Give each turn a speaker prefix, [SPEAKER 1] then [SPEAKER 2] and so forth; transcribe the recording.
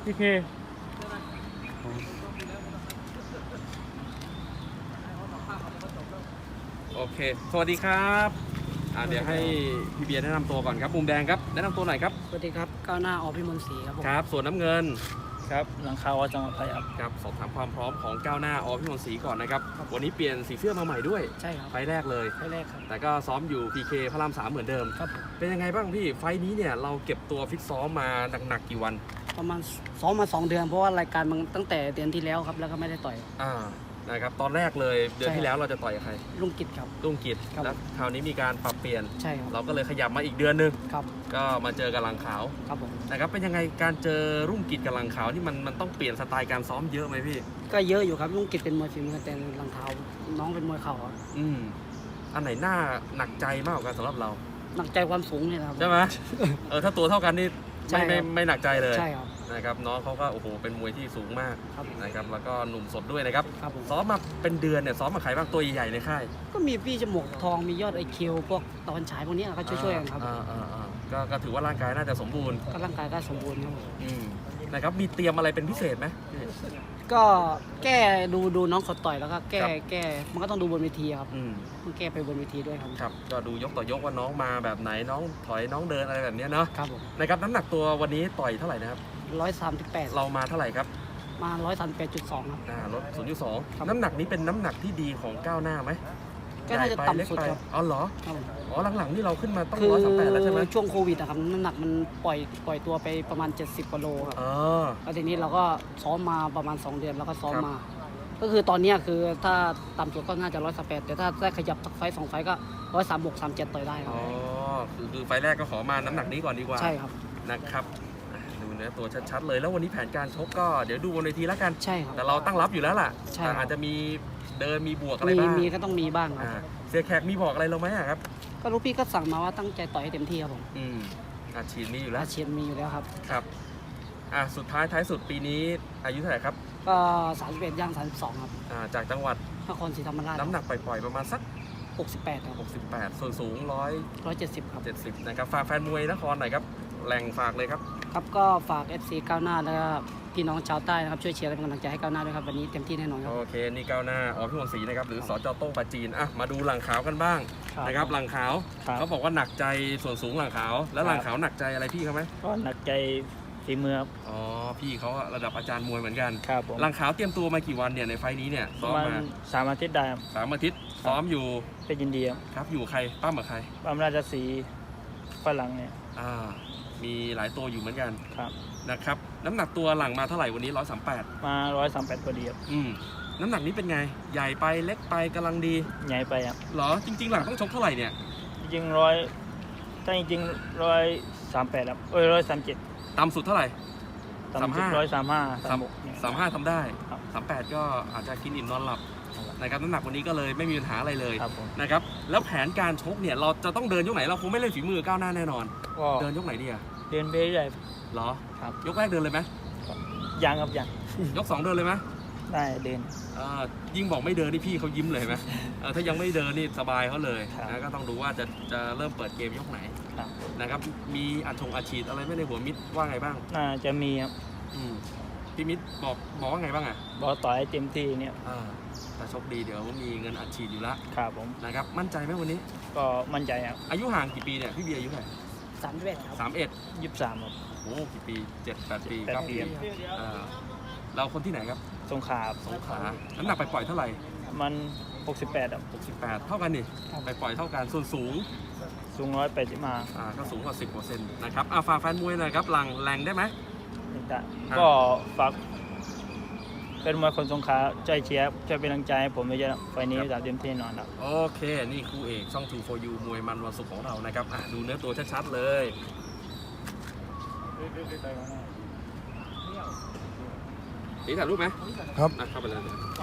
[SPEAKER 1] พี่เคโอเคสวัสดีครับเดี๋ยวให้พี่เบียร์แนะนำตัวก่อนครับมุมแดงครับแนะนำตัวหน่อยครับ
[SPEAKER 2] สวัสดีครับก้าวหน้าอพิมลศรีครับผม
[SPEAKER 1] ครับส่วนน้ำเงิน
[SPEAKER 3] ครับหลังคาวจังหวัดพะเยา
[SPEAKER 1] ครับสอบถามความพร้อมของก้าวหน้าอพิมลศรีก่อนนะครับวันนี้เปลี่ยนสีเสื้อมาใหม่ด้วย
[SPEAKER 2] ใช่ครับ
[SPEAKER 1] ไฟแรกเลย
[SPEAKER 2] ไฟแรกครับ
[SPEAKER 1] แต่ก็ซ้อมอยู่ PK พระราม3เหมือนเดิม
[SPEAKER 2] ครับ
[SPEAKER 1] เป็นยังไงบ้างพี่ไฟนี้เนี่ยเราเก็บตัวฟิตซ้อมมาหนักๆกี่วัน
[SPEAKER 2] ประมาณซ้อมมา2 เดือนเพราะว่ารายการมันตั้งแต่เดือนที่แล้วครับแล้วก็ไม่ได้ต่อย
[SPEAKER 1] นะครับตอนแรกเลยเดือนที่แล้วเราจะต่อยกับใคร
[SPEAKER 2] ลุงกิจครับ
[SPEAKER 1] ลุงกิจแล้วคราวนี้มีการปรับเปลี่ยน
[SPEAKER 2] ใช่ครับ
[SPEAKER 1] เราก็เลยขยับมาอีกเดือนนึง
[SPEAKER 2] ครับ
[SPEAKER 1] ก็มาเจอกับหลังขาว
[SPEAKER 2] ครับผม
[SPEAKER 1] นะครับเป็นยังไงการเจอรุ่งกิจกับหลังขาวนี่มันต้องเปลี่ยนสไตล์การซ้อมเยอะไหมพี่
[SPEAKER 2] ก็เยอะอยู่ครับลุงกิจเป็นมวยฝีมือแต่หลังเท้าน้องเป็นมวยเข่าครับ
[SPEAKER 1] อันไหนน่าหนักใจมากกว่ากันสำหรับเรา
[SPEAKER 2] หนักใจความสูงเนี่ยครับ
[SPEAKER 1] ใช่ไหมถ้าตัวเท่ากันนี่ไม่หนักใจเลย
[SPEAKER 2] ใช่ครับ
[SPEAKER 1] นะครับน้องเขาก็โอ้โหเป็นมวยที่สูงมากนะครับแล้วก็หนุ่มสดด้วยนะครับซ้อมมาเป็นเดือนเนี่ยซ้อมมาใครบ้างตัวใหญ่ๆในค่าย
[SPEAKER 2] ก็มีพี่จมูกทองมียอดไอคิวพวกตอนฉายพวกนี้ก็ช่วยๆกันครับ
[SPEAKER 1] ก็ถือว่าร่างกายน่าจะสมบูรณ์
[SPEAKER 2] ก็ร่างกายก็สมบูรณ์ครับ
[SPEAKER 1] นะครับมีเตรียมอะไรเป็นพิเศษไหม
[SPEAKER 2] ก็แก้ดูน้องเขาต่อยแล้วก็แก้มันก็ต้องดูบนเวทีครับต้องแก้ไปบนเวทีด้วยครับ
[SPEAKER 1] ก็ดูยกต่อยกว่าน้องมาแบบไหนน้องถอยน้องเดินอะไรแบบนี้เนาะ
[SPEAKER 2] ครับผม
[SPEAKER 1] นะครับน้ำหนักตัววันนี้ต่อยเท่าไหร่นะครับ
[SPEAKER 2] 138
[SPEAKER 1] เรามาเท่าไหร่ครับ
[SPEAKER 2] มา138.2ครับ
[SPEAKER 1] ลด0.2น้ำหนักนี้เป็นน้ำหนักที่ดีของก้าวหน้าไหม
[SPEAKER 2] ก็น่าจะต่ำสุดครับ
[SPEAKER 1] อ๋อเหรอหลังๆนี่เราขึ้นมาต้อง138แล้วใช่ไหม
[SPEAKER 2] ช่วงโควิดนะครับน้ำหนักมันปล่อยตัวไปประมาณ70 กว่าโลครับแล้วทีนี้เราก็ซ้อมมาประมาณ2 เดือนแล้วก็ซ้อมมาก็คือตอนนี้คือถ้าต่ำสุดก็น่าจะ138แต่ถ้าได้ขยับสักไฟ2 ไฟก็136 37ต่อยได้ครับ
[SPEAKER 1] คือไฟแรกก็ขอมาน้ำหนักนี้ก่อนดีกว่า
[SPEAKER 2] ใช่ครับ
[SPEAKER 1] นะครับดูเนื้อตัวชัดๆเลยแล้ววันนี้แผนการชกก็เดี๋ยวดูบนเวทีแล้วกัน
[SPEAKER 2] ใช่ครับ
[SPEAKER 1] แต่เราตั้งรับอยู่แล้วล่ะแต่อาจจะมีเดินมีบวกอะไรบ้าง
[SPEAKER 2] มีก็ต้องมีบ้างครับ
[SPEAKER 1] เสียแขกมีบอกอะไรเราไหมครับ
[SPEAKER 2] ก็ลูกพี่ก็สั่งมาว่าตั้งใจต่อยให้เต็มที่ครับผม
[SPEAKER 1] อาชีพมีอยู่แล้วครับสุดท้ายสุดปีนี้อายุเท่าไหร่ครับ
[SPEAKER 2] ก็31ย่าง32ครับ
[SPEAKER 1] จากจังหวัด
[SPEAKER 2] นครศรีธรรมราช
[SPEAKER 1] น้ำหนักปล่อยๆประมาณสัก
[SPEAKER 2] 68ครับ
[SPEAKER 1] 68ส่วนสูง
[SPEAKER 2] 170ครับ
[SPEAKER 1] 70นะครับฝากแฟนมวยนครหน่อยครับแหล่งฝากเลยครับ
[SPEAKER 2] ครับก็ฝาก FC ก้าวหน้าแล้วก็พี่น้องชาวใต้นะครับช่วยเชียร์และเป็นกำลังใจให้ก้าวหน้าด้วยครับวันนี้เต็มที่แน่นอนครับ
[SPEAKER 1] โอเคนี่ก้าวหน้าพิมลศรีนะครับหรือสจ.โต้งปาจีนมาดูหลังขาวกันบ้างนะครับหลังขาวเขาบอกว่าหนักใจส่วนสูงหลังขาวแล้วหลังขาวหนักใจอะไรพี่เขาไหม
[SPEAKER 3] ก็หนักใจฝีมือครับ
[SPEAKER 1] พี่เขาระดับอาจารย์มวยเหมือนกัน
[SPEAKER 3] ครับผม
[SPEAKER 1] หลังขาวเตรียมตัวมากี่วันเนี่ยในไฟนี้เนี่ยซ้อมมา
[SPEAKER 3] 3 อาทิตย์ได้ครับ
[SPEAKER 1] 3 อาทิตย์ซ้อมอยู่
[SPEAKER 3] เป็นยินดี
[SPEAKER 1] ครับอยู่ใครปั้มกับใคร
[SPEAKER 3] ปั้มราชสีฝรั่งเนี่ย
[SPEAKER 1] มีหลายตัวอยู่เหมือนกัน
[SPEAKER 3] ครับ
[SPEAKER 1] นะครับน้ำหนักตัวหลังมาเท่าไหร่วันนี้138
[SPEAKER 3] มา138พอดีครับ
[SPEAKER 1] น้ำหนักนี้เป็นไงใหญ่ไปเล็กไปกำลังดี
[SPEAKER 3] ใหญ่ไปครับ
[SPEAKER 1] หรอจริงๆหลังต้องชกเท่าไหร่เนี่ย
[SPEAKER 3] จริงถ้าจริง138ครับ137
[SPEAKER 1] ต่ำสุดเท่าไหร่
[SPEAKER 3] 35
[SPEAKER 1] ทำได้38ก็อาจจะกินอิ่มนอนหลับนะครับน้ำหนักวันนี้ก็เลยไม่มีปัญหาอะไรเลยนะครับแล้วแผนการชกเนี่ยเราจะต้องเดินยกไหนเราคงไม่เล่นฝีมือก้าวหน้าแน่นอนเดินยกไหนดี
[SPEAKER 3] เดินไปเรื่อย
[SPEAKER 1] หรอครับยกแรกเดินเลยไหม
[SPEAKER 3] ยังครับยัง
[SPEAKER 1] ยก2เดินเลยไหม
[SPEAKER 3] ได้เดิน
[SPEAKER 1] ยิ่งบอกไม่เดินนี่พี่เขายิ้มเลยไหมถ้ายังไม่เดินนี่สบายเขาเลยนะก็ต้องดูว่าจะเริ่มเปิดเกมยกไหนนะครับมีอาชีพอะไรไม่ในหัวมิดว่าไงบ้าง
[SPEAKER 3] จะมีครับ
[SPEAKER 1] พี่มิดบอกว่าไงบ้าง
[SPEAKER 3] บอกต่อยเต็มที่เนี่ย
[SPEAKER 1] แต่โชคดีเดี๋ยวมีเงินอัดฉีดอยู่แล้ว
[SPEAKER 3] ครับผม
[SPEAKER 1] นะครับมั่นใจไหมวันนี้
[SPEAKER 3] ก็มั่นใจครับ
[SPEAKER 1] อายุห่างกี่ปีเนี่ยพี่เบียร์อายุเท่าไหร่
[SPEAKER 2] 31ครับ
[SPEAKER 1] 23
[SPEAKER 3] ครับ
[SPEAKER 1] โอ้กี่ปี7-8 ปี9 ปีเราคนที่ไหนครับ
[SPEAKER 3] สงขลา
[SPEAKER 1] น้ำหนักไปปล่อยเท่าไหร่
[SPEAKER 3] มัน68ครับ
[SPEAKER 1] 68เท่ากันนี่ไปปล่อยเท่ากันส่วนสูง
[SPEAKER 3] 185
[SPEAKER 1] ก็สูงกว่า10%นะครับฝากแฟนมวยหน่อยครับหลังแรงได้ไหม
[SPEAKER 3] ก็ฝากเป็นมวยคนสงขลาใจเชียร์ช่วยเป็นกำลังใจให้ผมเยอะๆไฟนี้จะเต็มที่นอนครับ
[SPEAKER 1] โอเคนี่คู่เอกช่อง 2 for you มวยมันวันศุกร์ของเรานะครับดูเนื้อตัวชัดๆเลย นี่ถ่ายรูปไหม
[SPEAKER 4] ครับ
[SPEAKER 1] เข้าไปเลย